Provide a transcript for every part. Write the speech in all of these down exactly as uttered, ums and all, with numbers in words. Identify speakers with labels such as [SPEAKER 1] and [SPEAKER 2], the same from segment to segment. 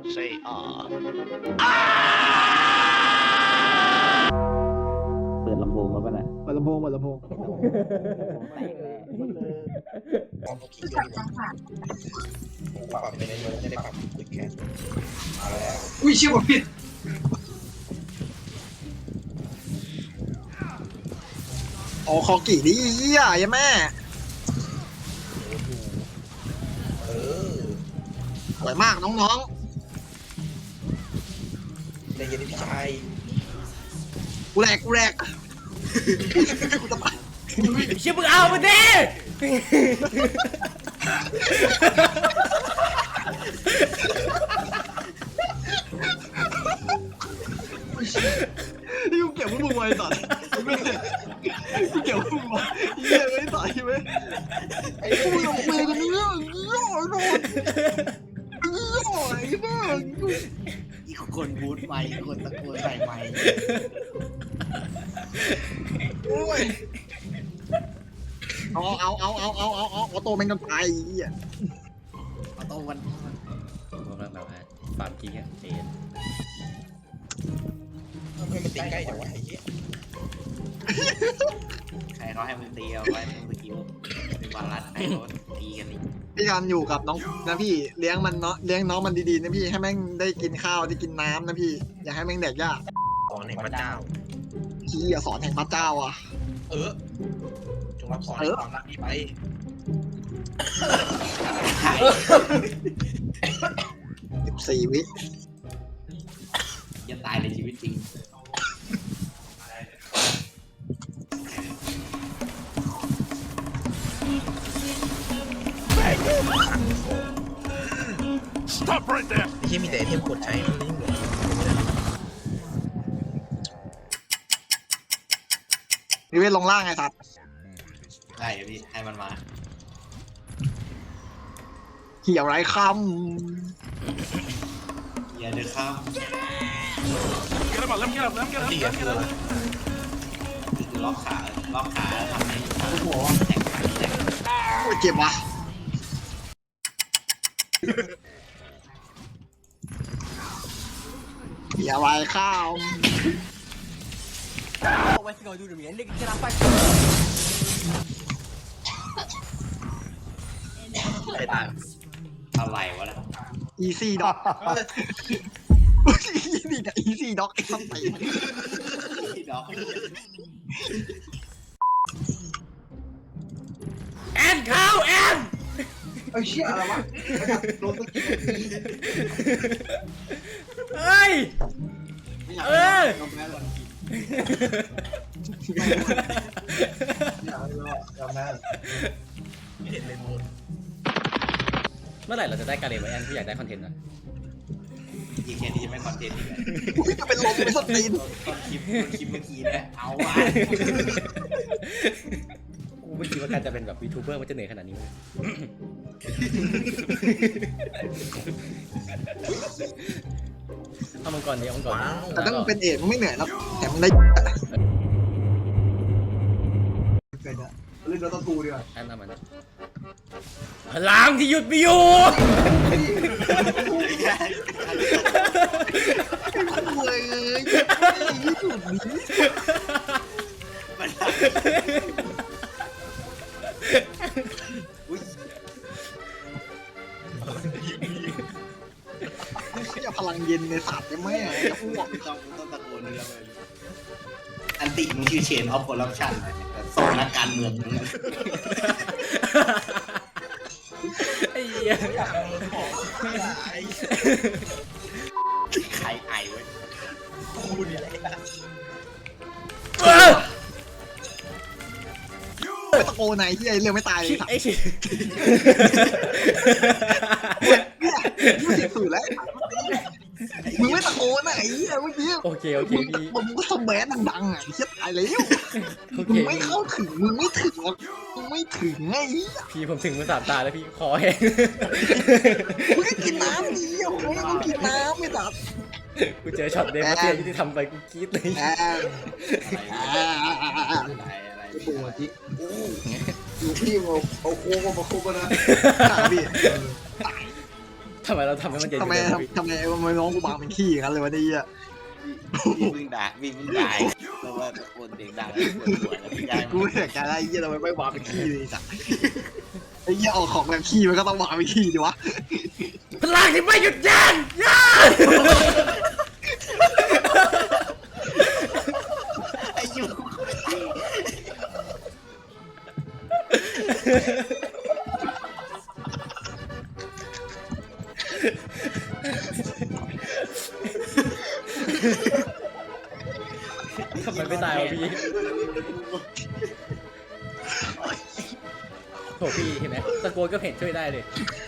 [SPEAKER 1] say ah
[SPEAKER 2] เปิดลำโพงมาป่ะน่ะ
[SPEAKER 3] เปิดลำโพงเปิดลำโพง
[SPEAKER 4] ปรับกี่ตัวดีกว่าผมปรับไปในเมืองจะได้ปรับตึกแค่เอาแล้ว
[SPEAKER 3] อุ้ยเชี่ยผมผิดโอ้คอกี่ดิเหี้ยยังแม่
[SPEAKER 4] เออ
[SPEAKER 3] สวยมากน้อง
[SPEAKER 4] ใจเย็นพี่ชาย
[SPEAKER 3] ๆกูแหลกกูแหลกกูจะไป
[SPEAKER 5] เชี่ยมึงเอามาดิ
[SPEAKER 3] นี่กูเก็บพวกมึงไว้สัตว์กูเก็บพวกมึงไว้เหี้ยไม่ใส่ไหมไอ้กูลงมือกันนี่ย่อโดนย่อไอ้บ้า
[SPEAKER 1] อีกคนบูทไมค์อีกคนตะโกนใส่ไมค์
[SPEAKER 3] โอ้ยเอาเอาเอาเอาเอาเอาเอาเอาโตแม่งกันตายไอ้เหี้ย
[SPEAKER 1] เอาโต้วัน
[SPEAKER 5] ผมแบบแบบว่าฟาร์มกิ้งอะเจน
[SPEAKER 4] ทำไมมันตีใกล้จังวะไอ้เหี้ย
[SPEAKER 1] ใครเขาให้มึงตีเอาไว้มึงสกิลเป็นวารัสไอ้เขาตีกันอีก
[SPEAKER 3] พี่การอยู่กับน้องนะพี่เลี้ยงมันเนาะเลี้ยงน้องมันดีๆนะพี่ให้แม่งได้กินข้าวได้กินน้ำนะพี่อย่าให้แม่งแดกยาก
[SPEAKER 4] สอนแห่งพระเจ้า
[SPEAKER 3] พี่อย่าสอนแห่งพระเจ้าอ่ะ
[SPEAKER 4] เออจงรับสอนความรักนี้ไป
[SPEAKER 3] สิบสี่วิ
[SPEAKER 1] จะตายในชีวิตจริง
[SPEAKER 4] ไอ้เหี้ยมีแต่ไอเทมกดใช้มันไม่เหมือน
[SPEAKER 3] นิเวศลงล่างไงสัตว์
[SPEAKER 1] ได้พี่ให้มันมา
[SPEAKER 3] เหี่ยวไรค
[SPEAKER 1] อย่าเดือดข้าม
[SPEAKER 4] ตีกันคืออะไร
[SPEAKER 1] คือล็อกขาล็อกขาทำให้หัวแข็งขาแข็ง
[SPEAKER 3] ำโอ้ยเจ็บว่ะเหี่ยวไรค
[SPEAKER 4] ใครตาย
[SPEAKER 1] อะไรวะล่ะ
[SPEAKER 3] ำอีซี่ด็อกนี่กับอีซี่ด็อกไอ้สัตว์
[SPEAKER 1] พี่ดอก
[SPEAKER 5] แอนเข้าแอน
[SPEAKER 3] ไอ้เชี่ยอะไรวะโดนตะกี้
[SPEAKER 5] เฮ้ย เออ
[SPEAKER 3] ยอมแพ้เลยยอมแพ้
[SPEAKER 4] ไม่เห็นเลยมูน
[SPEAKER 5] เมื่อไหร่เราจะได้การเรียนไว้แอนที่อยากได้คอนเทนต์นะ
[SPEAKER 1] อีกแค่นี้จะไม่คอนเทนต์อีกแล้ว
[SPEAKER 3] อุ้ยจะเป็นลมเป็นสตีน
[SPEAKER 1] ตอนคลิปตอนคลิปเมื่อกี้นะเอาวะ
[SPEAKER 5] กูไม่คิดว่าการจะเป็นแบบวีทูเบอร์มันจะเหนื่อยขนาดนี้เลยเอามังกรดิเอามังกร
[SPEAKER 4] ว้าว
[SPEAKER 3] แต่ถ้ามึงเป็นเอกมึงไม่เหนื่อยแล้วแถมมึงได้เล่นแล้วต้องกูดีกว่า
[SPEAKER 5] แอนเอามันพลังที่หยุดไม่อยู่
[SPEAKER 3] เลยยี่สุดนี้
[SPEAKER 1] มันอุ้ย
[SPEAKER 3] อย่าพลังเย็นในสัตว์ได้ไหมจะอ้วก
[SPEAKER 1] ต้องต้องตะโกนเรื่องเลยอันติมึงชื่อเชนออฟคอร์รัปชันแต่สองนักการเมืองมึง
[SPEAKER 5] ไอ้เหี้ย
[SPEAKER 1] ใครไอเว้ย
[SPEAKER 4] กูเนี่ยแหละ
[SPEAKER 5] เออ
[SPEAKER 3] ไปตะโกนไหนที่ไอ้เรื่องไม่ตายเลยสัตว์
[SPEAKER 5] ไอ้ชิ
[SPEAKER 3] เนี่ยยี่สิบสื่อแล้วมึงไม่ตะโกนไหนเมื่อกี้
[SPEAKER 5] โอเคโอเค
[SPEAKER 3] มึง
[SPEAKER 5] พี่
[SPEAKER 3] มึงก็สแบนดังๆอ่ะเฮียตายแล้ว
[SPEAKER 5] โอ
[SPEAKER 3] มึ
[SPEAKER 5] เค
[SPEAKER 3] งไม่เข้าถึงมึงไม่ถึงหรอกมึงไม่ถึงไง
[SPEAKER 5] พี่ผมถึงมาสามตาแล้วพี่คอแห้ง
[SPEAKER 3] มึงก็กินน้ำดีโอ้ยมึงกินน้ำไม่ตัด
[SPEAKER 5] กูเจอช็อตเดมเซียที่ทำไปกูกรี๊ดเลย
[SPEAKER 3] แอม
[SPEAKER 1] อะไรอะไร
[SPEAKER 3] ตัวจิ๊กอยู่ที่มึงเอาโค้งมาโค้งนะพี่
[SPEAKER 5] ทำไมเราทำให้มันเย็น
[SPEAKER 3] ทำไม
[SPEAKER 5] อยู่เลย
[SPEAKER 3] ทำไมทำไมน้องกูบางเป็นขี้อย่างนั้นเลยวะเนี่ย
[SPEAKER 1] พี่มึงด่าพี่มึงด่าเพราะว่าตะโกนเสียงดังแล้วปวดหัวแล้วพี่ได้
[SPEAKER 3] กูไม่อยากจะได้ไอ้เหี้ยทำไมไม่บางเป็นขี้เลยจ้ะไอ้เหี้ยออกของแบบขี้มันก็ต้องบางเป็นขี้ดิวะ
[SPEAKER 5] พลังที่ไม่หยุดยั้งยั้ง
[SPEAKER 1] ไอ้ยู
[SPEAKER 5] ทำไมไม่ตายวะพี่โถพี่เห็นไหมตะโกนก็เห็นช่วยได้เลย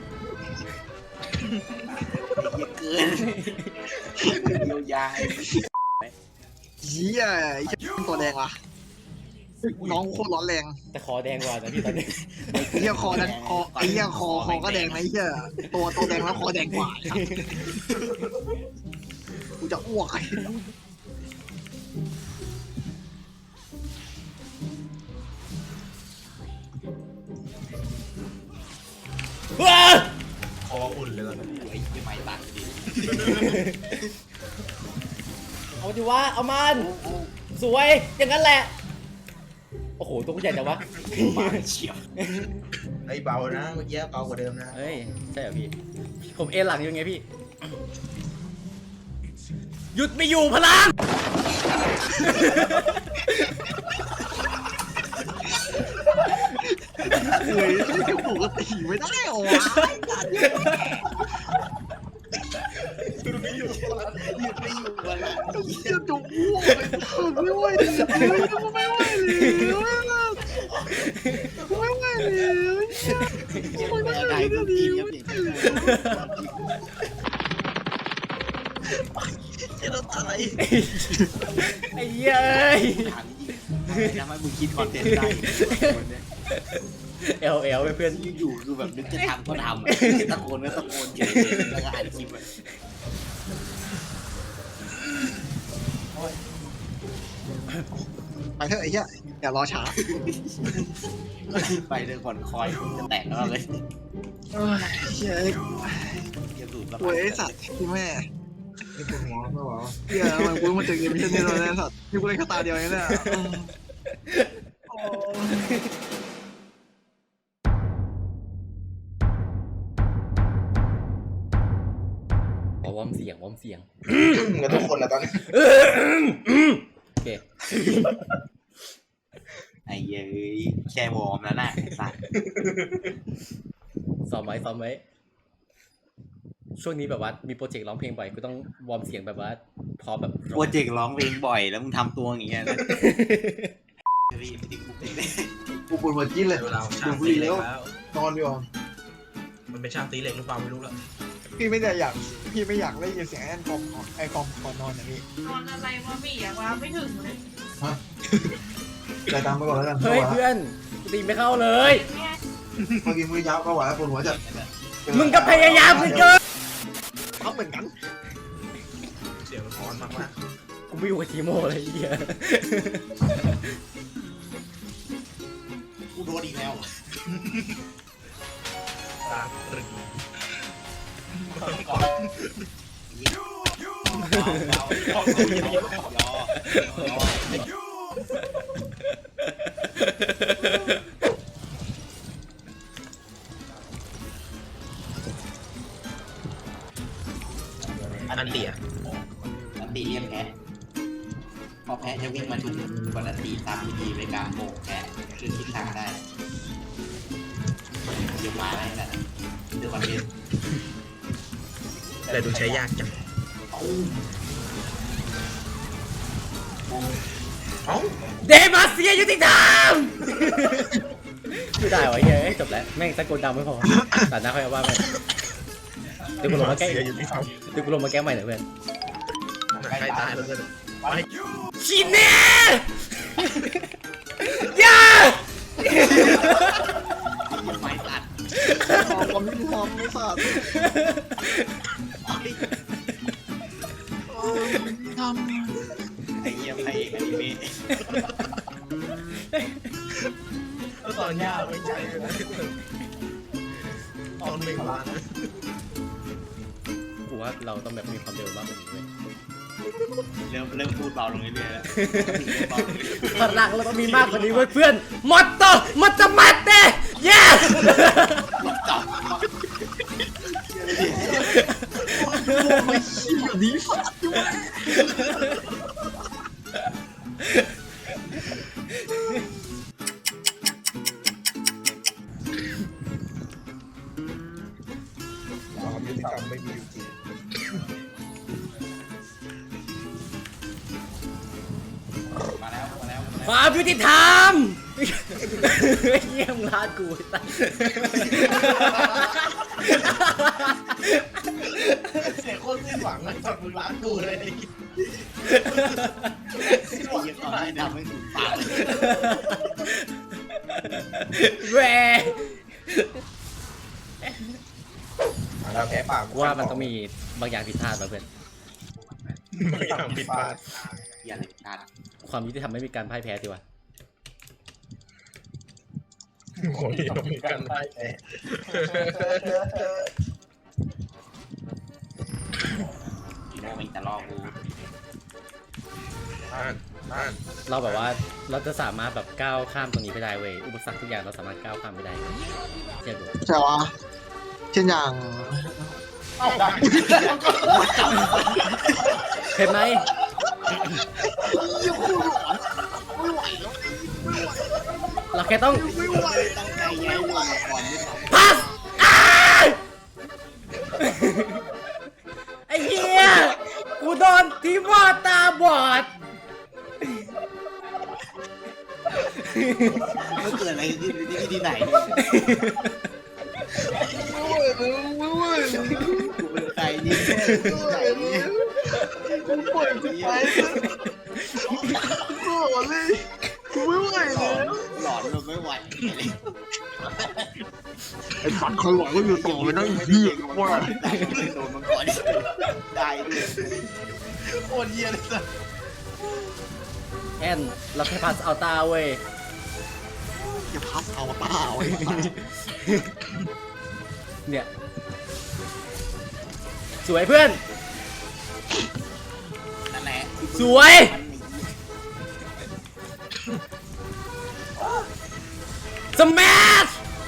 [SPEAKER 1] เกินเยียวยา
[SPEAKER 3] เหี้ยไอ้เหี้ยตัวแดงว่ะน้องโคตรร้อนแรง
[SPEAKER 5] แต่คอแดงกว่านะพี่ตอนนี้
[SPEAKER 3] ไอ้เหี้ยคอนั้นคอไอ้เหี้ยคอคอก็แดงนะไอ้เหี้ยตัวตัวแดงแล้วคอแดงกว่ากูจะอ้วกไอ้
[SPEAKER 5] ว้า
[SPEAKER 4] คออุ่นเลยก่อน
[SPEAKER 1] ไอ้ยี่ไม่ตัดดิ
[SPEAKER 5] เอาดิวะเอามันสวยอย่างนั้นแหละโอ้โหตัวใหญ่จังวะ
[SPEAKER 1] มาเฉียบ
[SPEAKER 4] ไอ้เบานะเมื่อกี้เบากว่าเดิมนะ
[SPEAKER 5] เฮ้ยใช่เหรอพี่ผมเอ็นหลังอยู่ไงพี่หยุดไม่อยู่พลัง
[SPEAKER 3] เฮ้ยจะปกติไม่ได้หรอวะ
[SPEAKER 1] หยุดไม่อยู่วันละ
[SPEAKER 3] เหี้ยจะอ้วกเลยไม่ไหวเลยไม่ไหวเลยไม่ไหวเลย
[SPEAKER 1] ไม่ได้ก็กินก็เปลี่ยน
[SPEAKER 4] จะต้องอะไร
[SPEAKER 5] ไอ้เหี้ยเอ้ย
[SPEAKER 1] ถามจริงทำให้มึงคิดคอนเทนต์ได้
[SPEAKER 5] เอลเอลเพื่อน
[SPEAKER 1] อยู่ๆคือแบบนึกจะทำก็ทำตะโกนก็ตะโกนเฉยๆแล้วก็อ่านคลิป
[SPEAKER 3] ไปเถอะไอ้เหี้ยอย่ารอช้า
[SPEAKER 1] ไปเลยผ่อนคอยจะแตกแล้วเลย
[SPEAKER 3] เฮ้ยเฮ้ย
[SPEAKER 1] เก็บสูตร
[SPEAKER 3] โวยไอ้สัตว์ที่แม่
[SPEAKER 4] นี่ปวดหัวไม่หวะ
[SPEAKER 3] เหี้ยมันกูมาเจอเกมเช่นนี้แล้วนะสัตว์นี่กูเล่นแค่ตาเดียวเองเนี่ยโอ้
[SPEAKER 5] อ๋อวอร์มเสียงวอร์มเสียง
[SPEAKER 4] เหมือนทุกคนแหละตอนนี้
[SPEAKER 5] โอเค
[SPEAKER 1] ไอ้เย้ยแค่วอร์มแล้วนะสัตว์
[SPEAKER 5] ซ้อมไว้ซ้อมไว้ช่วงนี้แบบว่ามีโปรเจกต์ร้องเพลงบ่อยกูต้องวอร์มเสียงแบบว่าพอแบบ
[SPEAKER 1] โปรเจกต์ร้องเพลงบ่อยแล้วมึงทำตัวอย่างเงี้ยนะรีบติดคุกเลย
[SPEAKER 3] กูปวดหัวจี๊ดเลย
[SPEAKER 4] เวลาช่างตีเหล็กแล้วนอนอยู่มันเป็นช่างตีเหล็กหรือเปล่าไม่รู้ละ
[SPEAKER 3] พี่ไม่ได้อยากพี่ไม่อยากได้ยินเสียงแอนกอมไอกอมก่อนนอนอย่างนี้
[SPEAKER 6] นอนอะไรวะพี่อะวะไม่ถึงเลย
[SPEAKER 3] ใจตามไปก่อนแล้วกัน
[SPEAKER 5] เฮ้ยเพื่อนกูตีไม่เข้าเลย
[SPEAKER 6] เนี่ย
[SPEAKER 3] เมื่อกี้มือยาวก็ไหวปวดหัวจัด
[SPEAKER 5] มึงก็พยายามเหลือเกิน
[SPEAKER 3] ทำเหมือนกัน
[SPEAKER 4] เสียงมันร้อนมากมาก
[SPEAKER 5] กูไม่อยู่กับทีโมเลยไอ้เหี้ย
[SPEAKER 1] กูโดนอีกแล้ว
[SPEAKER 4] ตาตรึง อันเตีย
[SPEAKER 1] อันตีเรียกแพ้พอแพ้จะวิ่งมาถึงกดอันตีตามวิธีในการโบกแพ้คือทิศทางได้เดี๋ยวมาอะไรนั่นเดี๋ยวคอนเทนต์
[SPEAKER 4] แต่ดูใช้ยากจังเอ้า
[SPEAKER 5] เดมาเซียยุติธรรมไม่ได้วะเฮ้ยจบแล้วแม่งตะโกนดังไม่พอตัดหน้าค่อยว่าไปเดี๋ยวกูลงมาแก้
[SPEAKER 4] เสียอยู่ที่เขา
[SPEAKER 5] เดี๋ยวกูลงมาแก้ใหม่หน่อยเพื่อน
[SPEAKER 4] ใกล้ตายแล้วก็ไป
[SPEAKER 5] ชิเน่ยา
[SPEAKER 1] ไม่ตัด
[SPEAKER 3] ความยุติธรรมไม่สัตว์ทำ
[SPEAKER 1] ไอ้เหี้ยไอ้อนิเมะ
[SPEAKER 4] ตอนยากไม่ใช่ตอนไม่มานะ
[SPEAKER 5] ว่าเราต้องแบบมีความเร็วมากกว่านี้เว้ย
[SPEAKER 1] เริ่มเริ่มพูดเบาลงเรื่อยๆแล้ว
[SPEAKER 5] พลังเราต้องมีมากกว่านี้เว้ยเพื่อนมอตโตมอตมัตเต้เย้
[SPEAKER 1] จับ
[SPEAKER 3] ไม่เชี่ยดีสัตว์อยู่
[SPEAKER 4] ความยุติธรรมไม่มีอยู่จริง
[SPEAKER 1] มาแล้วมาแล้ว
[SPEAKER 5] ความยุติธรรมเยี่ยมลาดกูตั้ง
[SPEAKER 4] เสียงโคตรสิ้นหวังเลยจากมึงร้านกูเลย
[SPEAKER 1] สิ้นหวังที่ไหนทำให้ถึงปากเลย
[SPEAKER 5] แหว
[SPEAKER 4] แล้วแพ้ปาก
[SPEAKER 5] ว่ามันต้องมีบางอย่างผิดพลาดมาเพื่อน
[SPEAKER 4] บางอย่างผิดพลาด
[SPEAKER 1] อย่าเลยการ
[SPEAKER 5] ความยุติธรรมไม่มีการพ่ายแพ้สิวะ
[SPEAKER 4] โอ้ยต้องมีการได้แพ้
[SPEAKER 1] อีโน่มันจะล่อกู
[SPEAKER 4] นั่นนั่น
[SPEAKER 5] เราแบบว่าเราจะสามารถแบบก้าวข้ามตรงนี้ไปได้เว้ยอุปสรรคทุกอย่างเราสามารถก้าวข้ามไปได้เชื่อดู
[SPEAKER 3] ใช่ปะเช่นอย่าง
[SPEAKER 4] เอาได้
[SPEAKER 5] เห็นไหม
[SPEAKER 3] ยังพูดหลอนไม่ไหวแล้วไม่ไหว
[SPEAKER 5] เราแค่ต้อง
[SPEAKER 3] ไม่ไหว
[SPEAKER 1] ตั้งใจแย่ลงมาก่อนด้วยซ้ำ
[SPEAKER 5] พัสอ้ายไอ้เหี้ยกูโดนทีมว่าตาบอด
[SPEAKER 1] มันเกิดอะไรขึ้นที่ที่ไหน
[SPEAKER 3] ไม่ไหวแล้วไม่ไหวแล้ว
[SPEAKER 1] กูเป็นใครนี่
[SPEAKER 3] ไม่ไหวแล้วกูปล่อยกูไปกูหลอนเลยกูไม่ไหว
[SPEAKER 1] หลอ
[SPEAKER 3] แล้
[SPEAKER 1] น
[SPEAKER 3] ว
[SPEAKER 1] หลอนมันไม่ไหว
[SPEAKER 3] ไอ้ฝันคอยหวังก็อยู่ต่อไปนะไอ้เหี้ยว่า
[SPEAKER 1] โดนมันก่อนได้ด้วยโคตรเยี่ยเลยสัส
[SPEAKER 5] แอนเราแค่พัสเอาตาเว้ย
[SPEAKER 3] อย่าพับเอาเปล่าไอ้สัส
[SPEAKER 5] เนี่ยสวยเพื่อน
[SPEAKER 1] นั่นแหละ
[SPEAKER 5] สวย สมัช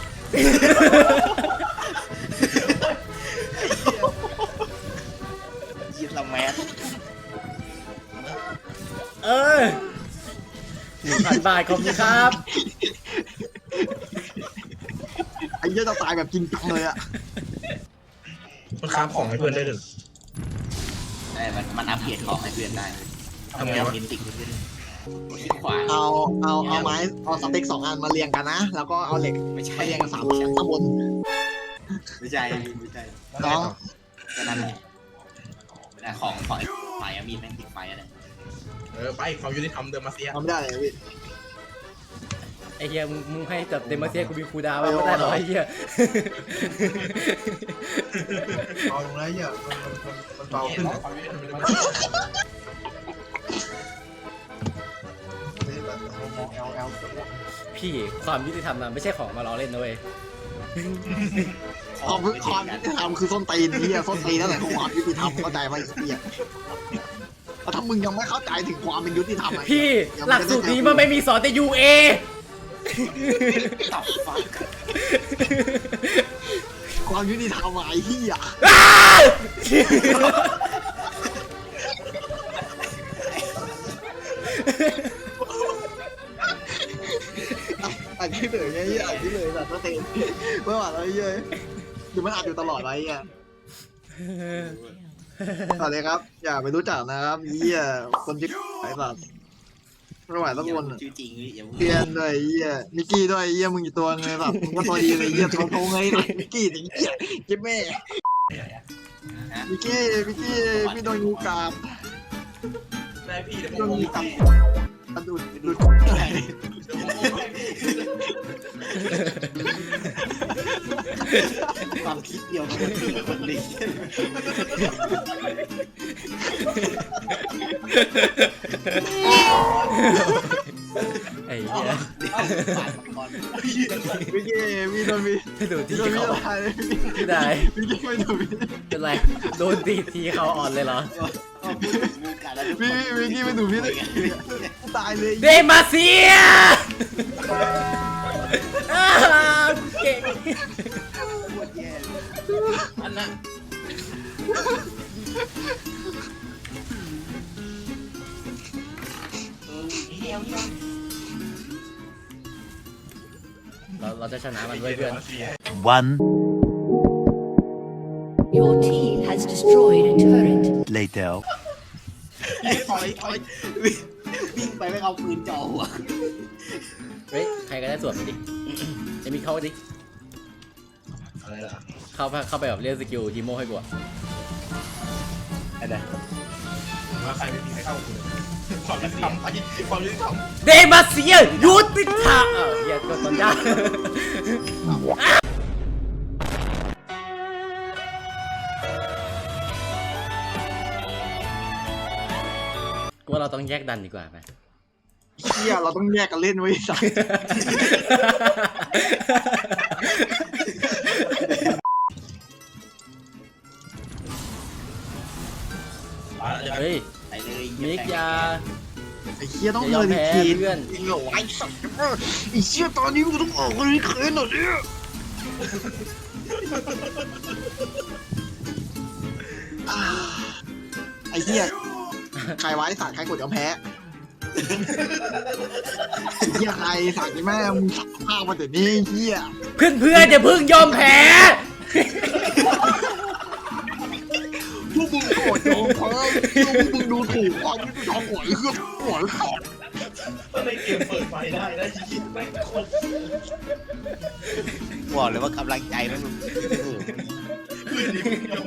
[SPEAKER 1] ยิงละแมส
[SPEAKER 5] เออหนึ่งพันบาทขอบคุณครับ
[SPEAKER 3] ไอ้เหี้ยจะตายแบบจริงจังเลยอะ
[SPEAKER 4] มันค้าของให้เพื่อนได้หนึ่ง
[SPEAKER 1] ไอ้มันมันอัปเกรดของให้เพื่อนได้
[SPEAKER 4] ทำไงวะ
[SPEAKER 1] มินติกขึ้นที่ขวา
[SPEAKER 3] เอาเอาเอาไม้เอาสเต็กสองอันมาเรียงกันนะแล้วก็เอาเหล็ก
[SPEAKER 1] ไม่ใช่
[SPEAKER 3] ไปเรียงกันสามชั้นข้างบน
[SPEAKER 1] ไม่ใช่ไม่ใช่
[SPEAKER 3] น้อง
[SPEAKER 1] ก็นั่นแหละแต่ของของไอ้ไฟอะมีแม่งติดไฟอะไร
[SPEAKER 4] เออไปความยุติธรรมเดิมมาเสีย
[SPEAKER 3] ทำไม่ได้เลยพี่
[SPEAKER 5] ไอ้เฮียมึงมึงให้จับเดมเซียกูมีคูดาวไว้ไม่ได้หรอไอ้เฮีย
[SPEAKER 3] เอาลงแล้วเหี้ยมันมันมันมันเบาขึ้น
[SPEAKER 4] ความยุติธรรมเดิมมา
[SPEAKER 3] แอลแอล
[SPEAKER 5] พี่ความยุติธรรมมันไม่ใช่ของมาล้อเล่นนะเว้ย
[SPEAKER 3] ความความยุติธรรมคือส้นตีนนี่ส้นตีนนั่นแหละคือความยุติธรรมเข้าใจไหมไอ้เหี้ยถ้ามึงยังไม่เข้าใจถึงความเป็นยุติธรรม
[SPEAKER 5] พี่หลักสูตรนี้มันไม่มีสอนแต่ยูเอ
[SPEAKER 1] ตับฟัก
[SPEAKER 3] ความยุติธรรมไอ้เหี้ยอันนี้เลยไงอันนี้เลยแบบส้นตีนเมื่อวานเราเยอะดูมันอัดอยู่ตลอดไว้อ่ะสวัสดีครับ อย่าไปรู้จักนะครับเหี้ยคนที่ไอ้สัตว์ไม่ไหวสักคน
[SPEAKER 1] ชื่อจริงอย่า
[SPEAKER 3] เพียนด้วยเหี้ยมิกกี้ด้วยเหี้ยมึงอยู่ตัวไงแบบมึงก็ตัวดีเลยเหี้ยตัวโตไงมิกกี้ถึงเหี้ยเจ็บแม่มิกกี้มิกกี้พี่โดนงูกัด
[SPEAKER 4] ได้พี่เดี๋ยว
[SPEAKER 3] พี่
[SPEAKER 4] ผ
[SPEAKER 3] โดน
[SPEAKER 4] ม
[SPEAKER 3] งูกัดมันดูดดูด
[SPEAKER 1] ความคิดเดียวกับคนสี่คนเลย
[SPEAKER 5] ไอ้เหี้ย
[SPEAKER 1] ผ่านมาก่อน
[SPEAKER 3] มิกกี้พี่โดนมี
[SPEAKER 5] ไม่ดูที
[SPEAKER 3] โดนพี่
[SPEAKER 5] เขา
[SPEAKER 3] ตายเลย
[SPEAKER 5] ไม่ได้
[SPEAKER 3] พี่กิ๊กไม่ดูพี่
[SPEAKER 5] เป็นไรโดนตีทีเขาอ่อนเลยเหรอ
[SPEAKER 1] ก็พูดถึงมูกันแล้วทุกค
[SPEAKER 3] พี่
[SPEAKER 1] น
[SPEAKER 3] พี่กิ๊กไม่ดูพี่เลยตายเลย
[SPEAKER 5] เดมาเซียอ้าวเก่ง
[SPEAKER 1] ปวดแย่อันน่ะเออเฮี้ยวเฮี้ยว
[SPEAKER 5] เราเราจะชนะมันด้วยเพื่อน
[SPEAKER 7] One
[SPEAKER 8] Your team has destroyed a turret.
[SPEAKER 7] later.
[SPEAKER 1] ถอยถอยวิ่งไปไม่เอาปืนจ่อหัว
[SPEAKER 5] เฮ้ยใครก็ได้สวดไปดิจะมีเข้าไปดิ
[SPEAKER 4] อะไรล่ะ
[SPEAKER 5] เข้าไปเข้าไปแบบเรียกสกิลทีโมให้กูอะ
[SPEAKER 1] อะไร
[SPEAKER 4] ว่าใครไม่มีใครเข้าคุณความยุติธรรมไปความยุติธรรม
[SPEAKER 5] เดมาเซียยุติธรรมเออเฮียกดตอนยากกูว่าเราต้องแยกดันดีกว่าไหม
[SPEAKER 3] เฮียเราต้องแยกกันเล่นไว้สัก
[SPEAKER 5] เฮ้ย
[SPEAKER 1] ไปเลย
[SPEAKER 5] มิกยา
[SPEAKER 3] ไอ้เฮียต้อง
[SPEAKER 5] อย่าย
[SPEAKER 3] เล
[SPEAKER 5] อม
[SPEAKER 3] ย
[SPEAKER 5] แพ้
[SPEAKER 3] ที
[SPEAKER 5] เพื่อน
[SPEAKER 3] จริงเหรอไอ้สัตว์ไอ้เฮียตอนนี้กูต้องออกเลยเขินหน่อยเนี่ยอ่าไอ้เฮียใครไว้สัตว์ใครกดยอมแพ้ไอ้เฮียใครสัตว์นี่แม่มึงสักภาพมาแต่นี้ไอ้เฮีย
[SPEAKER 5] เพื่อนเพื่อนอย่าเพิ่งยอมแพ้
[SPEAKER 3] พวกมึงโกรธโยมเพราะพวกมึงดูถูกความยุติธรรมหวยเครื่องหวยขาด
[SPEAKER 4] ก็เลยเกมเปิดไฟได้นะยิงไม่คน
[SPEAKER 1] บอกเลยว่ากำลังใจมัน
[SPEAKER 4] คือดิมึงยอม